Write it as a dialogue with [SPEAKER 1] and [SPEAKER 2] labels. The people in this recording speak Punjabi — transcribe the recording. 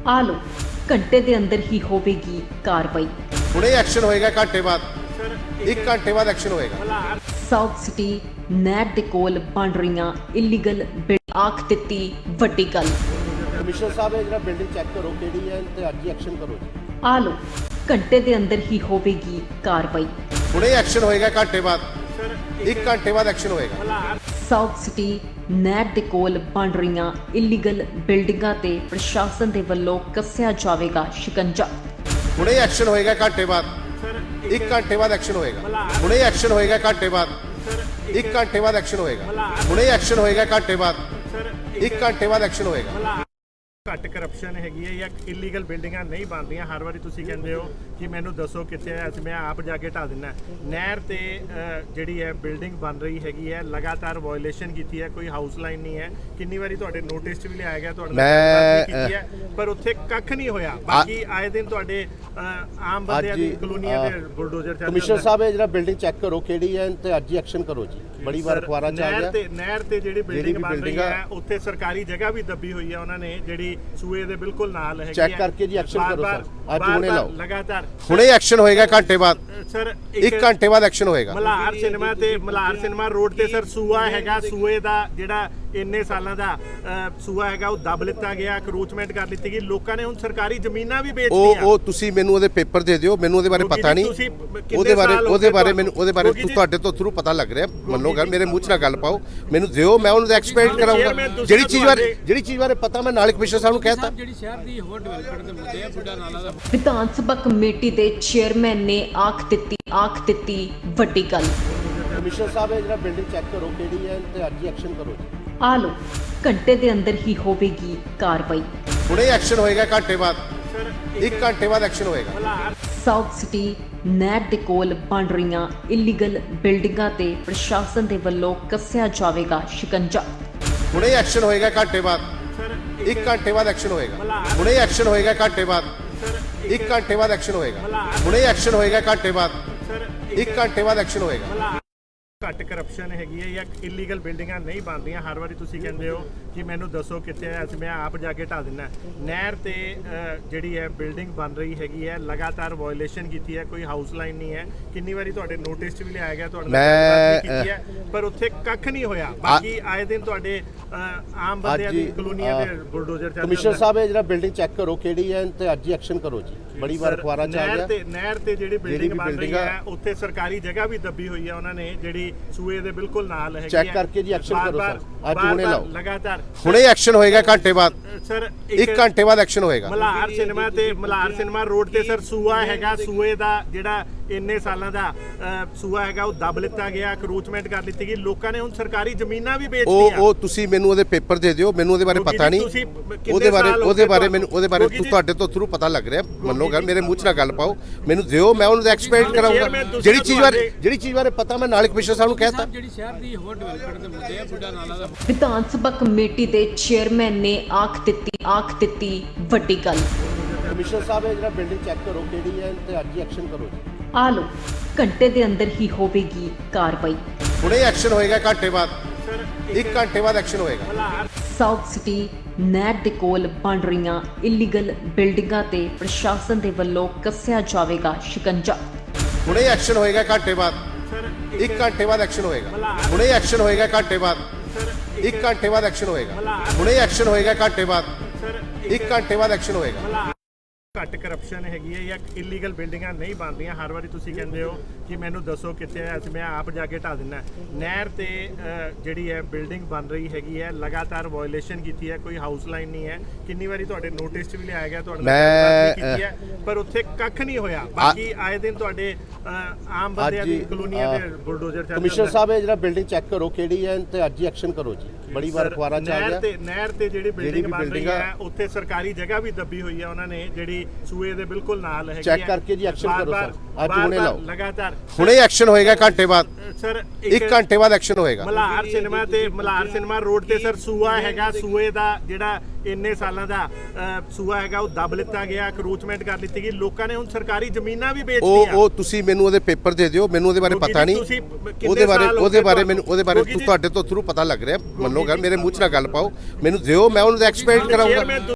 [SPEAKER 1] ਆ ਲਓ ਘੰਟੇ ਦੇ ਅੰਦਰ ਹੀ ਹੋਵੇਗੀ ਕਾਰਵਾਈ।
[SPEAKER 2] ਹੁਣੇ ਐਕਸ਼ਨ ਹੋਏਗਾ ਘੰਟੇ ਬਾਅਦ 1 ਘੰਟੇ ਬਾਅਦ ਐਕਸ਼ਨ ਹੋਏਗਾ।
[SPEAKER 1] ਸਾਊਥ ਸਿਟੀ ਨੈਟ ਦੇ ਕੋਲ ਬਣ ਰਹੀਆਂ ਇਲੀਗਲ ਬਿਲਡਿੰਗ ਆਖ ਦਿੱਤੀ ਵੱਡੀ ਗੱਲ।
[SPEAKER 2] ਕਮਿਸ਼ਨਰ ਸਾਹਿਬ ਇਹ ਜਿਹੜਾ ਬਿਲਡਿੰਗ ਚੈੱਕ ਕਰੋ ਕਿਹੜੀ ਹੈ ਤੇ ਅੱਜ ਹੀ ਐਕਸ਼ਨ ਕਰੋ ਜੀ।
[SPEAKER 1] ਆ ਲਓ ਘੰਟੇ ਦੇ ਅੰਦਰ ਹੀ ਹੋਵੇਗੀ ਕਾਰਵਾਈ।
[SPEAKER 2] ਹੁਣੇ ਐਕਸ਼ਨ ਹੋਏਗਾ ਘੰਟੇ ਬਾਅਦ 1 ਘੰਟੇ ਬਾਅਦ ਐਕਸ਼ਨ ਹੋਏਗਾ।
[SPEAKER 1] ਸਾਊਥ ਸਿਟੀ ਨੈਟ ਦੇ ਕੋਲ ਬਣ ਰਹੀਆਂ ਇਲੀਗਲ ਬਿਲਡਿੰਗਾਂ ਤੇ ਪ੍ਰਸ਼ਾਸਨ ਦੇ ਵੱਲੋਂ ਕੱਸਿਆ ਜਾਵੇਗਾ ਸ਼ਿਕੰਜਾ।
[SPEAKER 2] ਹੁਣੇ ਐਕਸ਼ਨ ਹੋਏਗਾ ਘੰਟੇ ਬਾਅਦ 1 ਘੰਟੇ ਬਾਅਦ ਐਕਸ਼ਨ ਹੋਏਗਾ। ਹੁਣੇ ਐਕਸ਼ਨ ਹੋਏਗਾ ਘੰਟੇ ਬਾਅਦ 1 ਘੰਟੇ ਬਾਅਦ ਐਕਸ਼ਨ ਹੋਏਗਾ। ਹੁਣੇ ਐਕਸ਼ਨ ਹੋਏਗਾ ਘੰਟੇ ਬਾਅਦ 1 ਘੰਟੇ ਬਾਅਦ ਐਕਸ਼ਨ ਹੋਏਗਾ।
[SPEAKER 3] ਘੱਟ ਕਰਪਸ਼ਨ ਹੈਗੀ ਹੈ ਜਾਂ ਇਲੀਗਲ ਬਿਲਡਿੰਗਾਂ ਨਹੀਂ ਬਣਦੀਆਂ। ਹਰ ਵਾਰੀ ਤੁਸੀਂ ਕਹਿੰਦੇ ਹੋ ਕਿ ਮੈਨੂੰ ਦੱਸੋ ਕਿੱਥੇ ਹੈ, ਅਸੀਂ ਮੈਂ ਆਪ ਜਾ ਕੇ ਢਾ ਦਿੰਦਾ। ਨਹਿਰ ਤੇ ਜਿਹੜੀ ਹੈ ਬਿਲਡਿੰਗ ਬਣ ਰਹੀ ਹੈਗੀ ਹੈ, ਲਗਾਤਾਰ ਵਾਇਓਲੇਸ਼ਨ ਕੀਤੀ ਹੈ, ਕੋਈ ਹਾਊਸ ਲਾਈਨ ਨਹੀਂ ਹੈ। ਕਿੰਨੀ ਵਾਰੀ ਤੁਹਾਡੇ ਨੋਟਿਸ 'ਚ ਵੀ ਲਿਆਇਆ ਗਿਆ, ਤੁਹਾਡੇ ਨਾਲ ਕੀਤੀ ਹੈ, ਪਰ ਉੱਥੇ ਕੱਖ ਨਹੀਂ ਹੋਇਆ। ਬਾਕੀ ਆਏ ਦਿਨ ਤੁਹਾਡੇ ਆਮ ਬੰਦਿਆਂ ਦੀ ਕਲੋਨੀਆਂ ਦੇ ਬੁਲਡੋਜ਼ਰ ਚੱਲਦੇ।
[SPEAKER 2] ਕਮਿਸ਼ਨਰ ਸਾਹਿਬ ਇਹ ਜਿਹੜਾ ਬਿਲਡਿੰਗ ਚੈੱਕ ਕਰੋ ਕਿਹੜੀ ਹੈ ਤੇ ਅੱਜ ਹੀ ਐਕਸ਼ਨ ਕਰੋ ਜੀ। ਬੜੀ ਵਾਰ ਅਖਬਾਰਾਂ 'ਚ ਆ ਗਿਆ।
[SPEAKER 3] ਨਹਿਰ ਤੇ ਜਿਹੜੀ ਬਿਲਡਿੰਗ ਬਣ ਰਹੀ ਹੈ ਉੱਥੇ ਸਰਕਾਰੀ ਜਗ੍ਹਾ ਵੀ ਦੱਬੀ ਹੋਈ ਹੈ ਉਹਨਾਂ ਨੇ, ਜਿਹੜੀ ਸੂਏ ਦੇ ਬਿਲਕੁਲ ਨਾਲ ਹੈਗੀ ਹੈ।
[SPEAKER 2] ਚੈੱਕ ਕਰਕੇ ਜੀ ਐਕਸ਼ਨ ਕਰੋ ਸਰ। ਅੱਜ ਹੁਣੇ ਲਾਓ।
[SPEAKER 3] ਲਗਾਤਾਰ
[SPEAKER 2] ਹੁਣੇ ਐਕਸ਼ਨ ਹੋਏਗਾ ਘੰਟੇ ਬਾਅਦ
[SPEAKER 3] ਸਰ
[SPEAKER 2] 1 ਘੰਟੇ ਬਾਅਦ ਐਕਸ਼ਨ ਹੋਏਗਾ।
[SPEAKER 3] ਮਲਹਾਰ ਸਿਨੇਮਾ ਰੋਡ ਤੇ ਸਰ ਸੂਆ ਹੈਗਾ। ਸੂਏ ਦਾ ਜਿਹੜਾ ਇੰਨੇ ਸਾਲਾਂ ਦਾ ਸੂਆ ਹੈਗਾ ਉਹ ਦੱਬ ਲਿੱਤਾ ਗਿਆ, ਕਰੂਚਮੈਂਟ ਕਰ ਲਿੱਤੀ ਗਈ। ਲੋਕਾਂ ਨੇ ਹੁਣ ਸਰਕਾਰੀ ਜ਼ਮੀਨਾਂ ਵੀ ਵੇਚਤੀਆਂ।
[SPEAKER 2] ਉਹ ਤੁਸੀਂ ਮੈਨੂੰ ਉਹਦੇ ਪੇਪਰ ਦੇ ਦਿਓ, ਮੈਨੂੰ ਉਹਦੇ ਬਾਰੇ ਪਤਾ ਨਹੀਂ। ਉਹਦੇ ਬਾਰੇ ਮੈਨੂੰ ਤੁਹਾਡੇ ਤੋਂ ਥਰੂ ਪਤਾ ਲੱਗ ਰਿਹਾ। ਮੰਨੋ ਗੱਲ, ਮੇਰੇ ਮੂੰਹ 'ਚ ਨਾ ਗੱਲ ਪਾਓ, ਮੈਨੂੰ ਦਿਓ, ਮੈਂ ਉਹਨੂੰ ਐਕਸਪਲੇਨ ਕਰਾਂਗਾ। ਜਿਹੜੀ ਚੀਜ਼ ਬਾਰੇ ਪਤਾ ਮੈਂ ਨਾਲ ਕਮਿਸ਼ਨਰ ਸਾਹਿਬ ਨੂੰ ਕਹਿਤਾ।
[SPEAKER 4] ਜਿਹੜੀ ਸ਼ਹਿਰ ਦੀ ਹੋਰ ਡਿਵੈਲਪਮੈਂਟ ਦੇ ਮੁੱਦੇ ਆ, ਬੁੱਢਾ ਨਾਲਾ ਦਾ
[SPEAKER 1] ਵਿਧਾਨ ਸਭਾ ਕਮੇਟੀ ਦੇ ਚੇਅਰਮੈਨ ਨੇ ਆਖ ਦਿੱਤੀ ਵੱਡੀ ਗੱਲ।
[SPEAKER 2] ਕਮਿਸ਼ਨਰ ਸਾਹਿਬ ਇਹ ਜਿਹੜਾ ਬਿਲਡਿੰਗ ਚੈੱਕ ਕਰੋ ਕਿਹੜੀ ਹੈ ਤੇ ਅੱਜ ਹੀ ਐਕਸ਼ਨ ਕਰੋ ਜੀ।
[SPEAKER 1] ਆ ਲਓ ਘੰਟੇ ਦੇ ਅੰਦਰ ਹੀ ਹੋਵੇਗੀ ਕਾਰਵਾਈ।
[SPEAKER 2] ਹੁਣੇ ਐਕਸ਼ਨ ਹੋਏਗਾ ਘੰਟੇ ਬਾਅਦ 1 ਘੰਟੇ ਬਾਅਦ ਐਕਸ਼ਨ ਹੋਏਗਾ।
[SPEAKER 1] ਸਾਊਥ ਸਿਟੀ ਨੈਟ ਦੇ ਕੋਲ ਬਣ ਰਹੀਆਂ ਇਲੀਗਲ ਬਿਲਡਿੰਗਾਂ ਤੇ ਪ੍ਰਸ਼ਾਸਨ ਦੇ ਵੱਲੋਂ ਕੱਸਿਆ ਜਾਵੇਗਾ ਸ਼ਿਕੰਜਾ।
[SPEAKER 2] ਹੁਣੇ ਐਕਸ਼ਨ ਹੋਏਗਾ ਘੰਟੇ ਬਾਅਦ 1 ਘੰਟੇ ਬਾਅਦ ਐਕਸ਼ਨ ਹੋਏਗਾ। ਹੁਣੇ ਐਕਸ਼ਨ ਹੋਏਗਾ ਘੰਟੇ ਬਾਅਦ 1 ਘੰਟੇ ਬਾਅਦ ਐਕਸ਼ਨ ਹੋਏਗਾ। ਹੁਣੇ ਐਕਸ਼ਨ ਹੋਏਗਾ ਘੰਟੇ ਬਾਅਦ 1 ਘੰਟੇ ਬਾਅਦ ਐਕਸ਼ਨ ਹੋਏਗਾ।
[SPEAKER 3] ਘੱਟ ਕਰਪਸ਼ਨ ਹੈਗੀ ਹੈ ਜਾਂ ਇਲੀਗਲ ਬਿਲਡਿੰਗਾਂ ਨਹੀਂ ਬਣਦੀਆਂ। ਹਰ ਵਾਰੀ ਤੁਸੀਂ ਕਹਿੰਦੇ ਹੋ ਕਿ ਮੈਨੂੰ ਦੱਸੋ ਕਿੱਥੇ ਹੈ, ਅਸੀਂ ਮੈਂ ਆਪ ਜਾ ਕੇ ਢਾ ਦਿੰਦਾ। ਨਹਿਰ ਤੇ ਜਿਹੜੀ ਹੈ ਬਿਲਡਿੰਗ ਬਣ ਰਹੀ ਹੈਗੀ ਹੈ, ਲਗਾਤਾਰ ਵਾਇਓਲੇਸ਼ਨ ਕੀਤੀ ਹੈ, ਕੋਈ ਹਾਊਸ ਲਾਈਨ ਨਹੀਂ ਹੈ। ਕਿੰਨੀ ਵਾਰੀ ਤੁਹਾਡੇ ਨੋਟਿਸ 'ਚ ਵੀ ਲਿਆਇਆ ਗਿਆ, ਤੁਹਾਡੇ ਨਾਲ ਕੀਤੀ ਹੈ, ਪਰ ਉੱਥੇ ਕੱਖ ਨਹੀਂ ਹੋਇਆ। ਬਾਕੀ ਆਏ ਦਿਨ ਤੁਹਾਡੇ ਆਮ ਬੰਦਿਆਂ ਦੀ ਕਲੋਨੀਆਂ ਦੇ ਬੁਲਡੋਜ਼ਰ ਚੱਲਦੇ।
[SPEAKER 2] ਕਮਿਸ਼ਨਰ ਸਾਹਿਬ ਇਹ ਜਿਹੜਾ ਬਿਲਡਿੰਗ ਚੈੱਕ ਕਰੋ ਕਿਹੜੀ ਹੈ ਤੇ ਅੱਜ ਹੀ ਐਕਸ਼ਨ ਕਰੋ ਜੀ। ਬੜੀ ਵਾਰ ਅਖਬਾਰਾਂ 'ਚ ਆ ਗਿਆ।
[SPEAKER 3] ਨਹਿਰ ਤੇ ਜਿਹੜੀ ਬਿਲਡਿੰਗ ਬਣ ਰਹੀ ਹੈ ਉੱਥੇ ਸਰਕਾਰੀ ਜਗ੍ਹਾ ਵੀ ਦੱਬੀ ਹੋਈ ਹੈ ਉਹਨਾਂ ਨੇ, ਜਿਹੜੀ ਸੂਏ ਦੇ ਬਿਲਕੁਲ ਨਾਲ ਹੈਗੀ ਹੈ।
[SPEAKER 2] ਚੈੱਕ ਕਰਕੇ ਜੀ ਐਕਸ਼ਨ ਕਰੋ ਸਰ। ਅੱਜ ਹੁਣੇ ਲਾਓ।
[SPEAKER 3] ਲਗਾਤਾਰ
[SPEAKER 2] ਹੁਣੇ ਐਕਸ਼ਨ ਹੋਏਗਾ ਘੰਟੇ ਬਾਅਦ
[SPEAKER 3] ਸਰ
[SPEAKER 2] 1 ਘੰਟੇ ਬਾਅਦ ਐਕਸ਼ਨ ਹੋਏਗਾ।
[SPEAKER 3] ਮਲਹਾਰ ਸਿਨੇਮਾ ਰੋਡ ਤੇ ਸਰ ਸੂਆ ਹੈਗਾ। ਸੂਏ ਦਾ ਜਿਹੜਾ ਇੰਨੇ ਸਾਲਾਂ ਦਾ ਸੂਆ ਹੈਗਾ ਉਹ ਦੱਬ ਲਿੱਤਾ ਗਿਆ, ਕਰੂਚਮੈਂਟ ਕਰ ਲਿੱਤੀ ਗਈ। ਲੋਕਾਂ ਨੇ ਹੁਣ ਸਰਕਾਰੀ ਜ਼ਮੀਨਾਂ ਵੀ ਵੇਚਤੀਆਂ।
[SPEAKER 2] ਉਹ ਤੁਸੀਂ ਮੈਨੂੰ ਉਹਦੇ ਪੇਪਰ ਦੇ ਦਿਓ, ਮੈਨੂੰ ਉਹਦੇ ਬਾਰੇ ਪਤਾ ਨਹੀਂ। ਉਹਦੇ ਬਾਰੇ ਤੁਹਾਡੇ ਤੋਂ ਥਰੂ ਪਤਾ ਲੱਗ ਰਿਹਾ। ਮੰਨੋ ਗੱਲ, ਮੇਰੇ ਮੂੰਹ 'ਚ ਨਾ ਗੱਲ ਪਾਓ, ਮੈਨੂੰ ਦਿਓ, ਮੈਂ ਉਹਨੂੰ ਐਕਸਪਲੇਨ ਕਰਾਂਗਾ। ਜਿਹੜੀ ਚੀਜ਼ ਬਾਰੇ ਪਤਾ ਮੈਂ ਨਾਲ ਕਮਿਸ਼ਨਰ ਸਾਹਿਬ ਨੂੰ ਕਹਿਤਾ।
[SPEAKER 4] ਜਿਹੜੀ ਸ਼ਹਿਰ ਦੀ ਹੋਰ ਡਿਵੈਲਪਮੈਂਟ ਦੇ ਮੁੱਦੇ ਆ, ਬੁੱਢਾ ਨਾਲਾ ਦਾ
[SPEAKER 1] ਵਿਧਾਨ ਸਭਾ ਕਮੇਟੀ ਦੇ ਚੇਅਰਮੈਨ ਨੇ ਆਖ ਦਿੱਤੀ ਵੱਡੀ ਗੱਲ।
[SPEAKER 2] ਕਮਿਸ਼ਨਰ ਸਾਹਿਬ ਇਹ ਜਿਹੜਾ ਬਿਲਡਿੰਗ ਚੈੱਕ ਕਰੋ ਕਿਹੜੀ ਹੈ ਤੇ ਅੱਜ ਹੀ ਐਕਸ਼ਨ ਕਰੋ ਜੀ।
[SPEAKER 1] ਆ ਲਓ ਘੰਟੇ ਦੇ ਅੰਦਰ ਹੀ ਹੋਵੇਗੀ ਕਾਰਵਾਈ।
[SPEAKER 2] ਹੁਣੇ ਐਕਸ਼ਨ ਹੋਏਗਾ ਘੰਟੇ ਬਾਅਦ 1 ਘੰਟੇ ਬਾਅਦ ਐਕਸ਼ਨ ਹੋਏਗਾ।
[SPEAKER 1] ਸਾਊਥ ਸਿਟੀ ਨੈਟ ਦੇ ਕੋਲ ਬਣ ਰਹੀਆਂ ਇਲੀਗਲ ਬਿਲਡਿੰਗਾਂ ਤੇ ਪ੍ਰਸ਼ਾਸਨ ਦੇ ਵੱਲੋਂ ਕੱਸਿਆ ਜਾਵੇਗਾ ਸ਼ਿਕੰਜਾ।
[SPEAKER 2] ਹੁਣੇ ਐਕਸ਼ਨ ਹੋਏਗਾ ਘੰਟੇ ਬਾਅਦ 1 ਘੰਟੇ ਬਾਅਦ ਐਕਸ਼ਨ ਹੋਏਗਾ। ਹੁਣੇ ਐਕਸ਼ਨ ਹੋਏਗਾ ਘੰਟੇ ਬਾਅਦ 1 ਘੰਟੇ ਬਾਅਦ ਐਕਸ਼ਨ ਹੋਏਗਾ। ਹੁਣੇ ਐਕਸ਼ਨ ਹੋਏਗਾ ਘੰਟੇ ਬਾਅਦ 1 ਘੰਟੇ ਬਾਅਦ ਐਕਸ਼ਨ ਹੋਏਗਾ।
[SPEAKER 3] ਘੱਟ ਕਰਪਸ਼ਨ ਹੈਗੀ ਹੈ ਜਾਂ ਇਲੀਗਲ ਬਿਲਡਿੰਗਾਂ ਨਹੀਂ ਬਣਦੀਆਂ। ਹਰ ਵਾਰੀ ਤੁਸੀਂ ਕਹਿੰਦੇ ਹੋ ਕਿ ਮੈਨੂੰ ਦੱਸੋ ਕਿੱਥੇ ਹੈ, ਅਸੀਂ ਮੈਂ ਆਪ ਜਾ ਕੇ ਢਾ ਦਿੰਦਾ। ਨਹਿਰ ਤੇ ਜਿਹੜੀ ਹੈ ਬਿਲਡਿੰਗ ਬਣ ਰਹੀ ਹੈਗੀ ਹੈ, ਲਗਾਤਾਰ ਵਾਇਓਲੇਸ਼ਨ ਕੀਤੀ ਹੈ, ਕੋਈ ਹਾਊਸ ਲਾਈਨ ਨਹੀਂ ਹੈ। ਕਿੰਨੀ ਵਾਰੀ ਤੁਹਾਡੇ ਨੋਟਿਸ 'ਚ ਵੀ ਲਿਆਇਆ ਗਿਆ, ਤੁਹਾਡੇ ਨਾਲ ਕੀਤੀ ਹੈ, ਪਰ ਉੱਥੇ ਕੱਖ ਨਹੀਂ ਹੋਇਆ। ਬਾਕੀ ਆਏ ਦਿਨ ਤੁਹਾਡੇ ਆਮ ਬੰਦਿਆਂ ਦੀ ਕਲੋਨੀਆਂ ਦੇ ਬੁਲਡੋਜ਼ਰ ਚੱਲਦੇ।
[SPEAKER 2] ਕਮਿਸ਼ਨਰ ਸਾਹਿਬ ਇਹ ਜਿਹੜਾ ਬਿਲਡਿੰਗ ਚੈੱਕ ਕਰੋ ਕਿਹੜੀ ਹੈ ਤੇ ਅੱਜ ਹੀ ਐਕਸ਼ਨ ਕਰੋ ਜੀ। ਬੜੀ ਵਾਰ ਅਖਬਾਰਾਂ 'ਚ ਆ ਗਿਆ।
[SPEAKER 3] ਨਹਿਰ ਤੇ ਜਿਹੜੀ ਬਿਲਡਿੰਗ ਬਣ ਰਹੀ ਹੈ ਉੱਥੇ ਸਰਕਾਰੀ ਜਗ੍ਹਾ ਵੀ ਦੱਬੀ ਹੋਈ ਹੈ ਉਹਨਾਂ ਨੇ, ਜਿਹੜੀ ਸੂਏ ਦੇ ਬਿਲਕੁਲ ਨਾਲ ਹੈਗੀ ਹੈ।
[SPEAKER 2] ਚੈੱਕ ਕਰਕੇ ਜੀ ਐਕਸ਼ਨ ਕਰੋ ਸਰ। ਅੱਜ ਹੁਣੇ ਲਾਓ।
[SPEAKER 3] ਲਗਾਤਾਰ
[SPEAKER 2] ਹੁਣੇ ਐਕਸ਼ਨ ਹੋਏਗਾ ਘੰਟੇ ਬਾਅਦ
[SPEAKER 3] ਸਰ
[SPEAKER 2] 1 ਘੰਟੇ ਬਾਅਦ ਐਕਸ਼ਨ ਹੋਏਗਾ।
[SPEAKER 3] ਮਲਹਾਰ ਸਿਨੇਮਾ ਰੋਡ ਤੇ ਸਰ ਸੂਆ ਹੈਗਾ। ਸੂਏ ਦਾ ਜਿਹੜਾ ਇੰਨੇ ਸਾਲਾਂ ਦਾ ਸੂਆ ਹੈਗਾ ਉਹ ਦੱਬ ਲਿੱਤਾ ਗਿਆ, ਕਰੂਚਮੈਂਟ ਕਰ ਲਿੱਤੀ ਗਈ। ਲੋਕਾਂ ਨੇ ਹੁਣ ਸਰਕਾਰੀ ਜ਼ਮੀਨਾਂ ਵੀ ਵੇਚਤੀਆਂ।
[SPEAKER 2] ਉਹ ਤੁਸੀਂ ਮੈਨੂੰ ਉਹਦੇ ਪੇਪਰ ਦੇ ਦਿਓ, ਮੈਨੂੰ ਉਹਦੇ ਬਾਰੇ ਪਤਾ ਨਹੀਂ। ਉਹਦੇ ਬਾਰੇ ਤੁਹਾਡੇ ਤੋਂ ਥਰੂ ਪਤਾ ਲੱਗ ਰਿਹਾ। ਮੰਨੋ ਗੱਲ, ਮੇਰੇ ਮੂੰਹ 'ਚ ਨਾ ਗੱਲ ਪਾਓ, ਮੈਨੂੰ ਦਿਓ, ਮੈਂ ਉਹਨੂੰ ਐਕਸਪਲੇਨ ਕਰਾਂਗਾ।